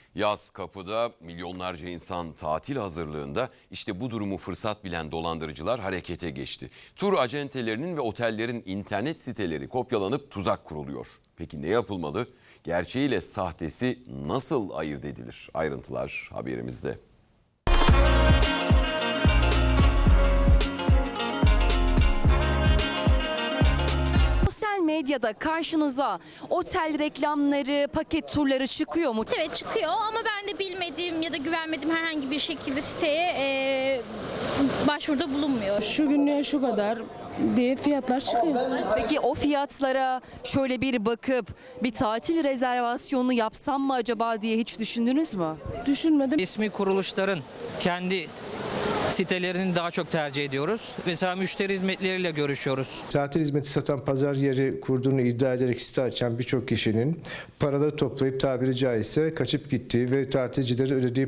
Yaz kapıda, milyonlarca insan tatil hazırlığında. İşte bu durumu fırsat bilen dolandırıcılar harekete geçti. Tur acentelerinin ve otellerin internet siteleri kopyalanıp tuzak kuruluyor. Peki ne yapılmalı? Gerçeğiyle sahtesi nasıl ayırt edilir? Ayrıntılar haberimizde. Sosyal medyada karşınıza otel reklamları, paket turları çıkıyor mu? Evet çıkıyor ama ben de bilmediğim ya da güvenmediğim herhangi bir şekilde siteye başvuruda bulunmuyor. Şu günlüğe şu kadar diye fiyatlar çıkıyor. Peki o fiyatlara şöyle bir bakıp bir tatil rezervasyonu yapsam mı acaba diye hiç düşündünüz mü? Düşünmedim. İsmi kuruluşların kendi sitelerini daha çok tercih ediyoruz. Mesela müşteri hizmetleriyle görüşüyoruz. Tatil hizmeti satan pazar yeri kurduğunu iddia ederek site açan birçok kişinin paraları toplayıp tabiri caizse kaçıp gittiği ve tatilcilerin ödediği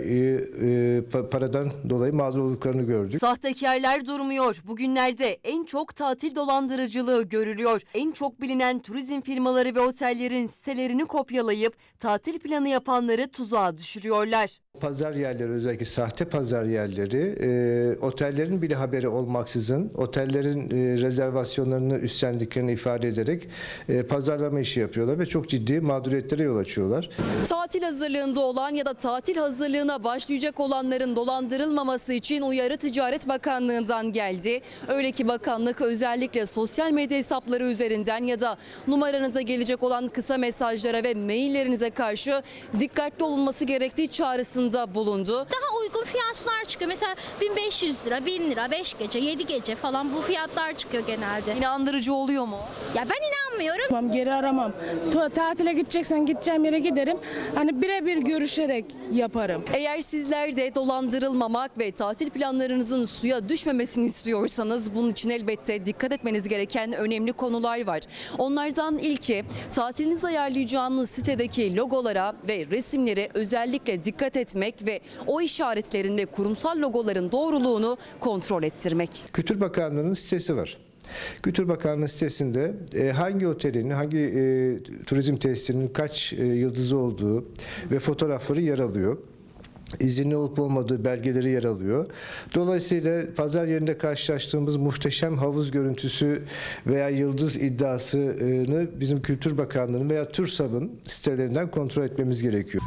paradan dolayı mağdur olduklarını gördük. Sahtekarlar durmuyor. Bugünlerde en çok tatil dolandırıcılığı görülüyor. En çok bilinen turizm firmaları ve otellerin sitelerini kopyalayıp tatil planı yapanları tuzağa düşürüyorlar. Pazar yerleri, özellikle sahte pazar yerleri, otellerin bile haberi olmaksızın otellerin rezervasyonlarını üstlendiklerini ifade ederek pazarlama işi yapıyorlar ve çok ciddi mağduriyetlere yol açıyorlar. Tatil hazırlığında olan ya da tatil hazırlığına başlayacak olanların dolandırılmaması için uyarı Ticaret Bakanlığı'ndan geldi. Öyle ki bakanlık özellikle sosyal medya hesapları üzerinden ya da numaranıza gelecek olan kısa mesajlara ve maillerinize karşı dikkatli olunması gerektiği çağrısında bulundu. Daha uygun fiyatlar çıkıyor. Mesela 1500 lira, 1000 lira, 5 gece, 7 gece falan bu fiyatlar çıkıyor genelde. İnandırıcı oluyor mu? Ya ben inanmıyorum. Tamam, geri aramam. Tatile gideceksen gideceğim yere giderim. Hani birebir görüşerek yaparım. Eğer sizler de dolandırılmamak ve tatil planlarınızın suya düşmemesini istiyorsanız bunun için elbette dikkat etmeniz gereken önemli konular var. Onlardan ilki tatilinizi ayarlayacağınız sitedeki logolara ve resimlere özellikle dikkat etmek ve o işaretlerin ve kurumsal logoların doğruluğunu kontrol ettirmek. Kültür Bakanlığı'nın sitesi var. Kültür Bakanlığı sitesinde hangi otelin, hangi turizm tesisinin kaç yıldızı olduğu ve fotoğrafları yer alıyor. İzinli olup olmadığı belgeleri yer alıyor. Dolayısıyla pazar yerinde karşılaştığımız muhteşem havuz görüntüsü veya yıldız iddiasını bizim Kültür Bakanlığı'nın veya TÜRSAB'ın sitelerinden kontrol etmemiz gerekiyor.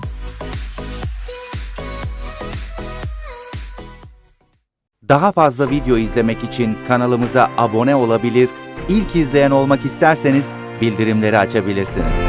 Daha fazla video izlemek için kanalımıza abone olabilir, ilk izleyen olmak isterseniz bildirimleri açabilirsiniz.